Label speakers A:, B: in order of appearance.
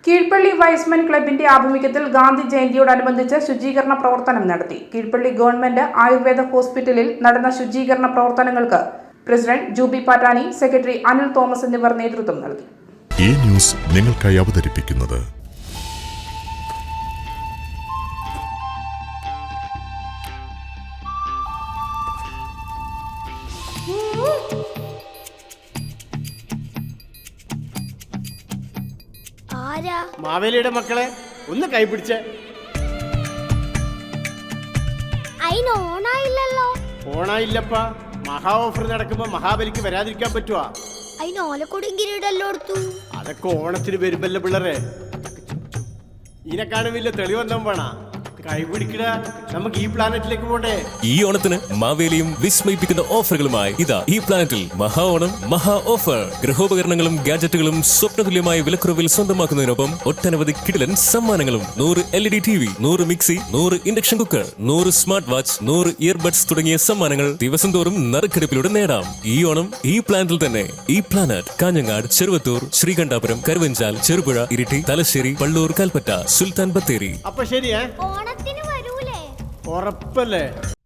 A: Keezhpally wise men ക്ലബിന്റെ ആഭിമുഖ്യത്തിൽ ഗാന്ധി ജയന്തിയോടനുബന്ധിച്ച് ശുചീകരണ പ്രവർത്തനം നടത്തി. കീഴ്പള്ളി ഗവൺമെന്റ് ആയുർവേദ ഹോസ്പിറ്റലിൽ നടന്ന ശുചീകരണ പ്രവർത്തനങ്ങൾക്ക് president Jubi Pattani, secretary Anil Thomas എന്നിവർ നേതൃത്വം നൽകി.
B: ഈ ന്യൂസ് നിങ്ങൾക്കായി അവതരിപ്പിക്കുന്നത്
C: മാവേലിയുടെ മക്കളെ ഒന്ന് കൈപിടിച്ചേ. ഓണായില്ലപ്പാ. മഹാ ഓഫർ നടക്കുമ്പോ മഹാബലിക്ക് വരാതിരിക്കാൻ പറ്റുവാ? അതൊക്കെ ഓണത്തിന് വരുമ്പല്ലേ പിള്ളേരെ. ഇതിനെക്കാളും വലിയ തെളിവെന്താ വേണ? കൈപിടിക്കട, നമുക്ക് ഈ പ്ലാനറ്റിലേക്ക് പോണ്ടേ.
D: ഈ ഓണത്തിന് മാവേലിയും വിസ്മയിപ്പിക്കുന്ന ഓഫറുകളുമായി ഇതാ ഈ പ്ലാനറ്റിൽ മഹാ ഓണം മഹാ ഓഫർ. ഗൃഹോപകരണങ്ങളും ഗാഡ്ജറ്റുകളും സ്വപ്നതുല്യമായ വിലക്കുറവിൽ സ്വന്തമാക്കുന്നതിനൊപ്പം ഒട്ടനവധി കിടിലൻ സമ്മാനങ്ങളും. 100 LED TV, 100 mixie, 100 induction cooker, 100 smart watch, 100 earbuds തുടങ്ങിയ സമ്മാനങ്ങൾ ദിവസം തോറും നറുക്കെടുപ്പിലൂടെ നേടാം. ഈ ഓണം ഈ പ്ലാനറ്റിൽ തന്നെ. ഈ പ്ലാനറ്റ് കാഞ്ഞങ്ങാട്, ചെറുവത്തൂർ, ശ്രീകണ്ഠാപുരം, കരുവഞ്ചാൽ, ചെറുപുഴ, ഇരിട്ടി, തലശ്ശേരി, പള്ളൂർ, കൽപ്പറ്റ, സുൽത്താൻ ബത്തേരി.
C: അപ്പൊ ശരിയേ, ഉറപ്പല്ലേ?